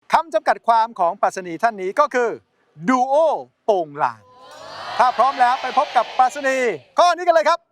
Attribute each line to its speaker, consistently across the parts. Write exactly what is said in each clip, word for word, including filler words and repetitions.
Speaker 1: คำจำกัดความของปรัชนีท่านนี้ก็คือดูโอโป่งลางถ้าพร้อมแล้วไปพบกับปรัชนีข้อนี้กันเลยครับ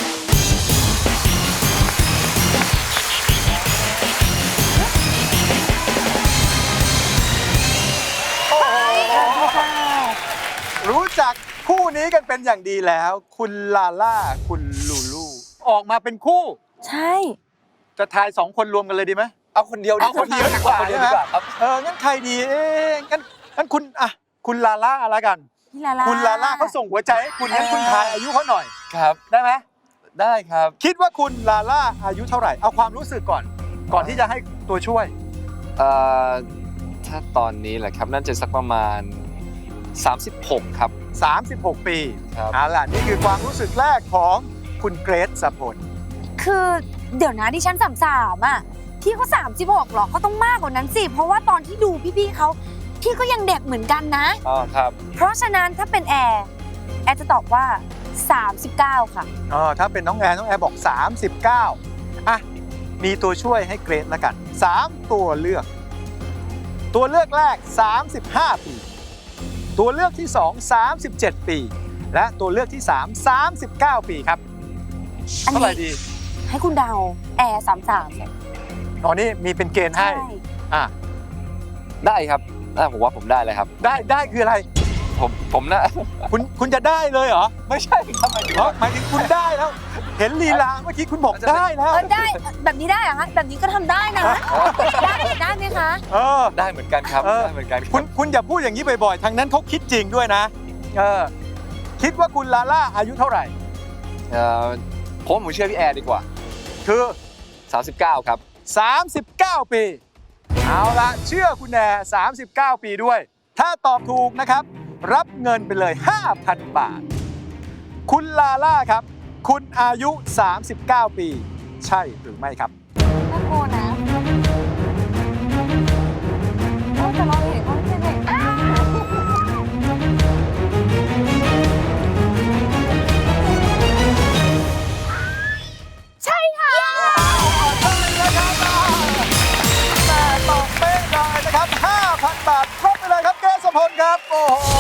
Speaker 1: รู้จักคู่นี้กันเป็นอย่างดีแล้วคุณลาล่าคุณลูลูออกมาเป็นคู่
Speaker 2: ใช่
Speaker 1: จะทายสองคนรวมกันเลยดีไหม
Speaker 3: เอาคนเดียว
Speaker 1: เอาคนเดียวดีกว่า
Speaker 3: ใช่ไหมครับ
Speaker 1: เอองั้นใครดีเอ๊ะงั้นงั้นคุณอ่ะคุณลาล่าอะไรกัน
Speaker 2: พี่ลาล่า
Speaker 1: คุณลาล่าเขาส่งหัวใจให้คุณงั้นคุณทายอายุเขาหน่อย
Speaker 3: ครับ
Speaker 1: ได้ไหม
Speaker 3: ได้ครับ
Speaker 1: คิดว่าคุณลาล่าอายุเท่าไหร่เอาความรู้สึกก่อนก่อนที่จะให้ตัวช่วย
Speaker 3: เอ่อถ้าตอนนี้แหละครับน่าจะสักประมาณสามสิบหกครับ
Speaker 1: สามสิบหกปี
Speaker 3: ครับ
Speaker 1: เอาล่ะนี่คือความรู้สึกแรกของคุณเกรซสพล
Speaker 2: คือเดี๋ยวนะดิฉันสามสามอ่ะพี่เขาสามสิบหกหรอเขาต้องมากกว่านั้นสิเพราะว่าตอนที่ดูพี่ๆเขาพี่ก็ยังเด็กเหมือนกันนะ
Speaker 3: อ๋อครับ
Speaker 2: เพราะฉะนั้นถ้าเป็นแอร์แอร์จะตอบว่าสามสิบเก้าค่ะ
Speaker 1: อ๋อถ้าเป็นน้องแอร์น้องแอร์บอกสามสิบเก้าอ่ะมีตัวช่วยให้เกรซละกันสามตัวเลือกตัวเลือกแรกสามสิบห้าปีตัวเลือกที่สอง สามสิบเจ็ดปีและตัวเลือกที่สาม สามสิบเก้าปีครับเท่าไหร่ดี
Speaker 2: ให้คุณเดาแอร์สามสาม
Speaker 1: อ๋อนี่มีเป็นเกณฑ์ให้อ่ะ
Speaker 3: ได้ครับผมว่าผมได้เลยครับ
Speaker 1: ได้ได้คืออะไร
Speaker 3: ผมผมนะ
Speaker 1: คุณคุณจะได้เลยเหรอ
Speaker 3: ไม่ใช่ครับหมายถึง
Speaker 1: หมายถึงคุณได้แล้วเห็นลีลาเมื่อกี้คุณบอกได้แล้ว
Speaker 2: ได้แบบนี้ได้เหรอคะแบบนี้ก็ทำได้นะได้ได้ไหมคะ
Speaker 1: เออ
Speaker 3: ได้เหมือนกันครับได้เหมือนกัน
Speaker 1: คุณคุณอย่าพูดอย่างนี้บ่อยๆทางนั้นเขาคิดจริงด้วยนะเออคิดว่าคุณลาล่าอายุเท่าไหร่
Speaker 3: เออผมผมเชื่อพี่แอร์ดีกว่า
Speaker 1: คือ
Speaker 3: สามสิบเก้าครับ
Speaker 1: สามสิบเก้าปีเอาละเชื่อคุณแอร์สามสิบเก้าปีด้วยถ้าตอบถูกนะครับรับเงินไปเลย ห้าพัน บาทคุณลาล่าครับคุณอายุสามสิบเก้าปีใช่หรือไม่ครับ
Speaker 2: น่ากลัวนะโอ้แต่เราเห็นเขาเป็นเด็กใช่ค่ะ
Speaker 1: แต่ตอบเป๊ะเลยนะครับ ห้าพัน บาทครบไปเลยครับเกรซพลครับโอ้โห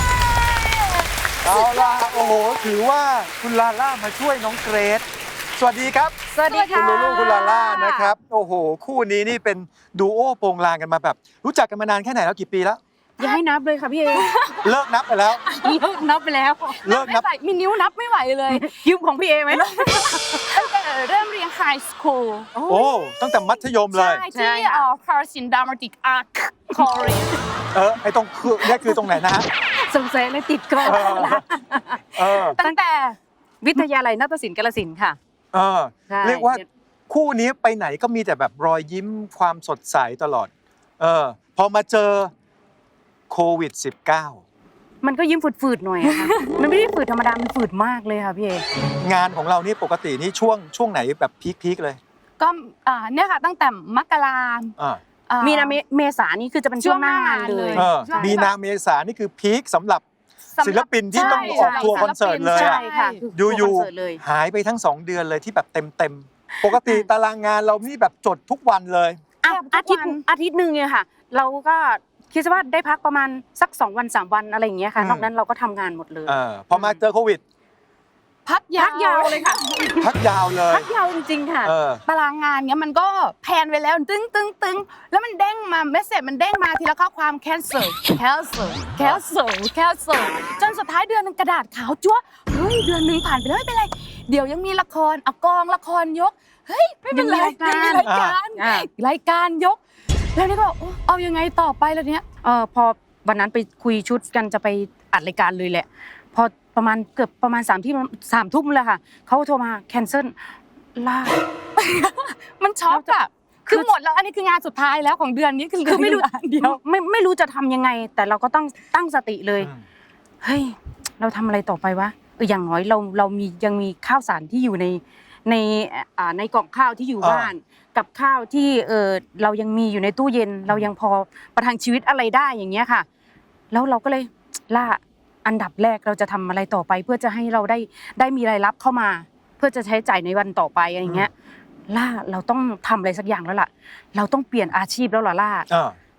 Speaker 1: เอาล่ะโอ้โหถือว่าคุณลาล่ามาช่วยน้องเกรซสวัสดีครับ
Speaker 2: สวัสดีค่ะ
Speaker 1: คุณลูลูคุณลาล่านะครับโอ้โหคู่นี้นี่เป็นดูโอโปงลางกันมาแบบรู้จักกันมานานแค่ไหนแล้วกี่ปีแล้ว
Speaker 4: อย่าให้นับเลยค่ะพี่เอ
Speaker 1: เลิกนับไปแล้ว
Speaker 4: เลิกนับไปแล้ว
Speaker 1: เลิกนับ
Speaker 4: มีนิ้วนับไม่ไหวเลยยืมของพี่เอไหมตั้งแต่เริ่มเรียนไฮสคูล
Speaker 1: โอ้ตั้งแต่มัธยมเลย
Speaker 4: ใช่ที่เอ่อคาร์ซินดามาติกอาร์คคอรี
Speaker 1: เออไอตรงคือนี่คือตรงไหนนะฮะ
Speaker 4: สงสัยเลยติดก่อนตั้งแต่วิทยาลัยนาฏศิลป์กาฬสินธุ์ค่ะ
Speaker 1: เออเรียกว่าคู่นี้ไปไหนก็มีแต่แบบรอยยิ้มความสดใสตลอดเออพอมาเจอโควิด สิบเก้า
Speaker 4: มันก็ยิ้มฝืดๆหน่อยค่ะมันไม่ได้ฝืดธรรมดามันฝืดมากเลยค่ะพี่เอง
Speaker 1: านของเรานี่ปกตินี่ช่วงช่วงไหนแบบพีคๆเลย
Speaker 4: ก็อ่าเนี่ยค่ะตั้งแต่มกรามีนาเมษานี่คือจะเป็นช่วงหน้างานเลย
Speaker 1: มีนาเมษานี่คือพีคสำหรับศิลปินที่ต้องออกทัวร์คอนเสิร์ตเลยอยู่ๆหายไปทั้งสองเดือนเลยที่แบบเต็มๆปกติตารางงานเรานี่แบบจดทุกวันเลย
Speaker 4: อาทิตย์อาทิตย์นึงเนี่ยค่ะเราก็คิดว่าได้พักประมาณสักสองวันสามวันอะไรอย่างเงี้ยค่ะนอกนั้นเราก็ทำงานหมดเลย
Speaker 1: พอมาเจอโควิด
Speaker 4: พักยาวเลยค่ะ
Speaker 1: พักยาวเลย
Speaker 4: พักยาวจริงๆค่ะตารางงานเนี้ยมันก็แพนไปแล้วตึ้งตึ้งตึ้งแล้วมันเด้งมาเมสเสจมันเด้งมาทีละข้อความ cancel cancel cancel cancel จนสุดท้ายเดือนนึงกระดาษขาวจั๊วเฮ้ยเดือนนึงผ่านไปแล้วไม่เป็นไรเดี๋ยวยังมีละครเอากองละครยกเฮ้ยไม่เป็นไรยังมีรายการรายการยกแล้วนี่ก็เอายังไงต่อไปแล้วเนี้ยเออพอวันนั้นไปคุยชุดกันจะไปอัดรายการเลยแหละพอประมาณเกือบประมาณสามที่สามทุ่มเลยค่ะเขาโทรมาแคนเซิลลามันช็อกอะคือหมดแล้วอันนี้คืองานสุดท้ายแล้วของเดือนนี้คือไม่รู้เดียวไม่ไม่รู้จะทำยังไงแต่เราก็ต้องตั้งสติเลยเฮ้ยเราทำอะไรต่อไปวะเอออย่างน้อยเราเรามียังมีข้าวสารที่อยู่ในในอ่าในกล่องข้าวที่อยู่บ้านกับข้าวที่เออเรายังมีอยู่ในตู้เย็นเรายังพอประทังชีวิตอะไรได้อย่างเงี้ยค่ะแล้วเราก็เลยล่าอันดับแรกเราจะทำอะไรต่อไปเพื่อจะให้เราได้ได้มีรายรับเข้ามาเพื่อจะใช้จ่ายในวันต่อไปอะไรอย่างเงี้ยล่าเราต้องทำอะไรสักอย่างแล้วล่ะเราต้องเปลี่ยนอาชีพแล้วล่ะล่า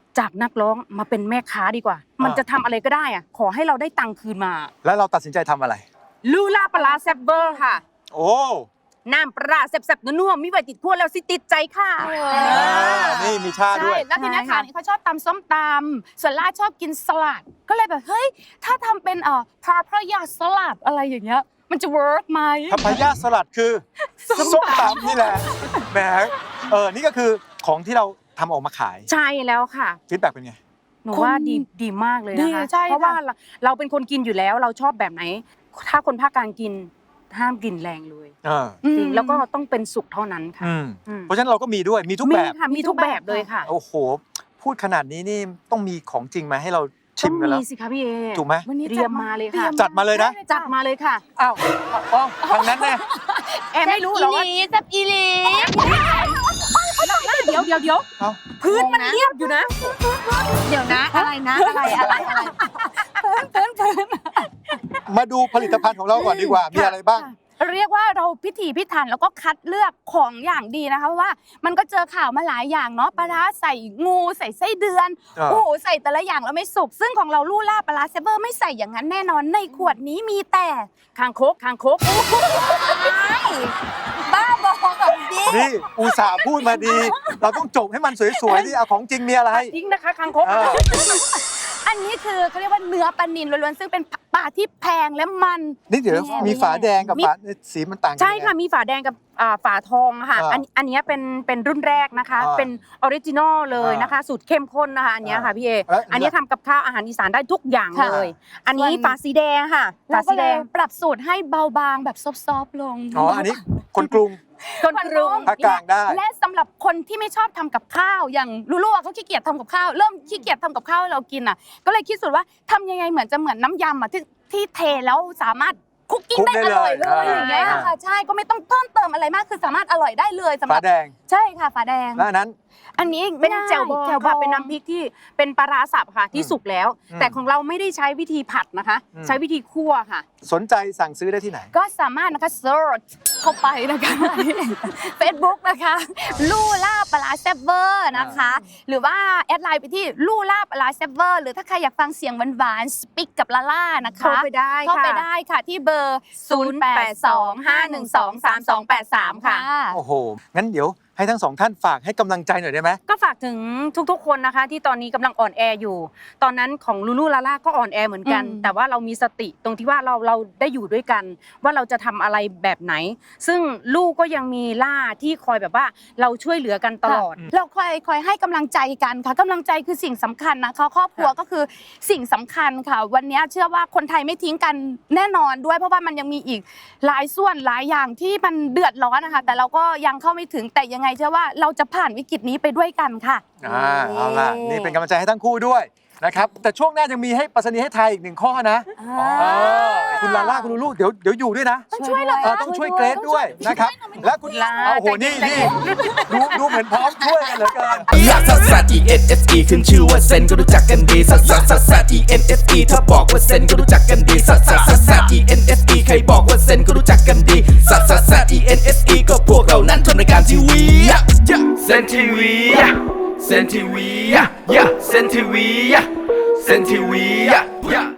Speaker 4: จากนักร้องมาเป็นแม่ค้าดีกว่า มันจะทำอะไรก็ได้อะขอให้เราได้ตังค์คืนมา
Speaker 1: แล้วเราตัดสินใจทำอะไร
Speaker 4: ลูล่าปลาร้าแซ่บเบอร์ค่ะ
Speaker 1: โอ้
Speaker 4: น้ำปลาแซ่บๆนัวๆมีไว้ติดพวกแล้วสิติดใจค่ะ
Speaker 1: อ่านี่มีชาด้
Speaker 4: ใช่
Speaker 1: วย
Speaker 4: แล้วทีนี้ค่ะนี่เขาชอบตำส้มตำส่วนล่าชอบกินสลัด ก็เลยแบบเฮ้ยถ้าทำเป็นเอ่อพาพระยาสลัดอะไรอย่างเงี้ยมันจะเวิร์กไหม
Speaker 1: พัพายาสลัดคือส้มตำนี่แหละแหมเออนี่ก็คือของที่เราทำออกมาขาย
Speaker 4: ใช่แล้วค่ะ
Speaker 1: ฟีดแบ็กเป็นไง
Speaker 4: หนูว่าดีดีมากเลยนะคะ
Speaker 2: ดีใช่ค่ะ
Speaker 4: เพราะว่าเราเราเป็นคนกินอยู่แล้วเราชอบแบบไหน ถ้าคนภาคกลางกินห้ามกินแรงเลย
Speaker 1: เออ
Speaker 4: จริงแล้วก็ต้องเป็นสุกเท่านั้นค่ะ
Speaker 1: อืม
Speaker 4: อืม
Speaker 1: เพราะฉะนั้นเราก็มีด้วยมีทุก
Speaker 4: มี
Speaker 1: แบบ
Speaker 4: ค่ะมีทุกแบบเลยค่ะ
Speaker 1: โอ้โห พูดขนาดนี้นี่ต้องมีของจริงมาให้เราชิ
Speaker 4: ต้อ
Speaker 1: ม
Speaker 4: ง
Speaker 1: กันแล้ว
Speaker 4: มีสิคะพี่เอ
Speaker 1: ถูกไหม
Speaker 2: วันนี้
Speaker 4: เตรียมมาเลยค่ะ
Speaker 1: จัดมาเลยนะ
Speaker 4: จัดมาเลยค่ะ
Speaker 1: อ้าวอ้าวทางนั้นแน่
Speaker 4: แอมไม่รู้หรอกว่า
Speaker 2: แซ่บอีหลี
Speaker 4: เดี๋ยวเดี๋ยวเดี๋ยว
Speaker 1: เอ้า
Speaker 4: พื้นมันเรียบอยู่นะ
Speaker 2: เดี๋ยวนะอะไรนะอะไรอะไรอะไร
Speaker 1: มาดูผลิตภัณฑ์ของเราก่อนดีกว่า มีอะไรบ้าง
Speaker 4: เรียกว่าเราพิถีพิถันแล้วก็คัดเลือกของอย่างดีนะคะเพราะว่ามันก็เจอข่าวมาหลายอย่างเนาะปลาร้าใส่งูใส่ไส้เดือน
Speaker 1: อ่า
Speaker 4: โอ้โหใส่แต่ละอย่างแล้วไม่สุกซึ่งของเราลู่ล่าปลาร้าเซเวอร์ไม่ใส่อย่างนั้นแน่นอนในขวดนี้มีแต่คางคกคางคก
Speaker 2: บ้าบอแบบนี้
Speaker 1: นี่อุตส่าห์พูดมาดี เราต้องจบให้มันสวยๆที่เอาของจริงมีอะไร
Speaker 4: ทิ้งนะคะคางคก
Speaker 1: เออ
Speaker 4: อันนี้คือเขาเรียกว่าเนื้อปลานิลล้วนๆซึ่งเป็นปลาที่แพงและมัน
Speaker 1: นี่เดี๋ยวมีฝาแดงกับฝาสีมันต่างกัน
Speaker 4: ใช่
Speaker 1: ยังไง
Speaker 4: ค่ะมีฝาแดงกับอ่าฝาทองค่ะ
Speaker 1: อ่า
Speaker 4: อันอันเนี้ยเป็นเป็นรุ่นแรกนะคะ
Speaker 1: อ่า
Speaker 4: เป็นออริจินอลเลยนะคะ สูตรเข้มข้นนะคะ อันเนี้ยค่ะพี่เอ
Speaker 1: แล้ว
Speaker 4: อันเนี้ยทำกับข้าวอาหารอีสานได้ทุกอย่าง
Speaker 1: ค่ะ
Speaker 4: เลย อันนี้
Speaker 2: ส่วน
Speaker 4: ฝาสีแดงค่ะฝา
Speaker 2: เรา
Speaker 4: สี
Speaker 2: ก็
Speaker 4: แด
Speaker 2: เลย
Speaker 4: งปรับสูตรให้เบาบางแบบซอฟๆลง
Speaker 1: อ๋อ อันนี้คนกรุง
Speaker 4: คนกรุง
Speaker 1: ภาคกลางได้
Speaker 4: และสำหรับคนที่ไม่ชอบทำกับข้าวอย่างลูลูอะเขาขี้เกียจทำกับข้าวเริ่มขี้เกียจทำกับข้าวให้เรากินอ่ะก็เลยคิดสูตรว่าทำยังไงเหมือนจะเหมือนน้ำยำอ่ะที่ที่เทแล้วสามารถคุกกิ้ง
Speaker 1: คุก
Speaker 4: ได้
Speaker 1: ได้
Speaker 4: อร่อย
Speaker 1: เล
Speaker 4: เลย ยอย่างเงี้ย
Speaker 1: อ่า
Speaker 4: ค่ะใช่ก็ไม่ต้องเพิ่มเติมอะไรมากคือสามารถอร่อยได้เลยสำห
Speaker 1: ฝา
Speaker 4: รับ
Speaker 1: แดง
Speaker 4: ใช่ค่ะฝาแดง
Speaker 1: แล้วอันนั้น
Speaker 4: อันนี้เป็นแจ่วบอง
Speaker 2: แจ่วบอง
Speaker 4: ค่ะเป็นน้ำพริกที่เป็นปลาร้าสับค่ะที่
Speaker 1: อืม
Speaker 4: สุกแล้ว
Speaker 1: อืม
Speaker 4: แต่ของเราไม่ได้ใช้วิธีผัดนะคะ
Speaker 1: อืม
Speaker 4: ใช้วิธีคั่วค่ะ
Speaker 1: สนใจสั่งซื้อได้ที่ไหน
Speaker 4: ก็สามารถนะคะเซิร์ชเข้าไปนะคะ Facebook นะคะลู่ล่าปลาร้าแซ่บเวอร์นะคะ หรือว่าแอดไลน์ไปที่ลู่ล่าปลาร้าแซ่บเวอร์หรือถ้าใครอยากฟังเสียงหวานๆสปิกกับลาล่านะคะ
Speaker 2: เข้าไปได้
Speaker 4: เข้าไป
Speaker 2: ค่ะ
Speaker 4: ได้ค่ะที่เบอร์ ศูนย์ แปด สอง ห้า หนึ่ง สอง สาม สอง แปด สาม ค่ะ
Speaker 1: โอ้โห งั้นเดี๋ยวให้ทั้งสองท่านฝากให้กำลังใจหน่อยได้ไหม
Speaker 4: ก็ฝากถึงทุกๆ คนนะคะที่ตอนนี้กำลังอ่อนแออยู่ ตอนนั้นของลูลูลาล่าก็อ่อนแอเหมือนกัน
Speaker 2: อืม
Speaker 4: แต่ว่าเรามีสติตรงที่ว่าเราเราได้อยู่ด้วยกัน ว่าเราจะทำอะไรแบบไหน ซึ่งลูกก็ยังมีล่าที่คอยแบบว่าเราช่วยเหลือกันตลอด
Speaker 1: ค่ะ
Speaker 4: เราคอยคอยให้กำลังใจกันค่ะกำลังใจคือสิ่งสำคัญนะคะครอบครัวก็คือสิ่งสำคัญค่ะ วันนี้เชื่อว่าคนไทยไม่ทิ้งกันแน่นอนด้วย เพราะว่ามันยังมีอีกหลายส่วนหลายอย่างที่มันเดือดร้อนนะคะแต่เราก็ยังเข้าไม่ถึงแต่ยังไงเชื่อว่าเราจะผ่านวิกฤตนี้ไปด้วยกันค่ะ
Speaker 1: อ่าเอาล่ะ นี่เป็นกำลังใจให้ทั้งคู่ด้วยนะครับ แต่ช่วงหน้ายังมีให้ปรัชนีให้ไทายอีกหนึ่งข้อนะเออคุณลาล่าคุณลูลูเดี๋ยวเดี๋ยวอยู่ด้วยนะ
Speaker 4: ต้องช่วยเหรอ
Speaker 1: เออต้องช่วยเกรซด้วยนะครับ และคุณ
Speaker 4: ลา
Speaker 1: โอ้โห นี่นี่ดูดูเหมือนพร้อมช่วยกันเหลือเกิน
Speaker 5: ลักซัสซัส E N S E ขึ้นชื่อว่าเซนก็รู้จักกันดีซัสซัสซัสซัส E N S E ถ้าบอกว่าเซนก็รู้จักกันดีซัสซัสซัสซัส E N S E ใครบอกว่าเซนก็รู้จักกันดีซัสซัสซัส E N S E ก็พวกเรานั้นทำรายการทีวีเซนทีวีเซนทีวีเซนทีวีเซนทีวี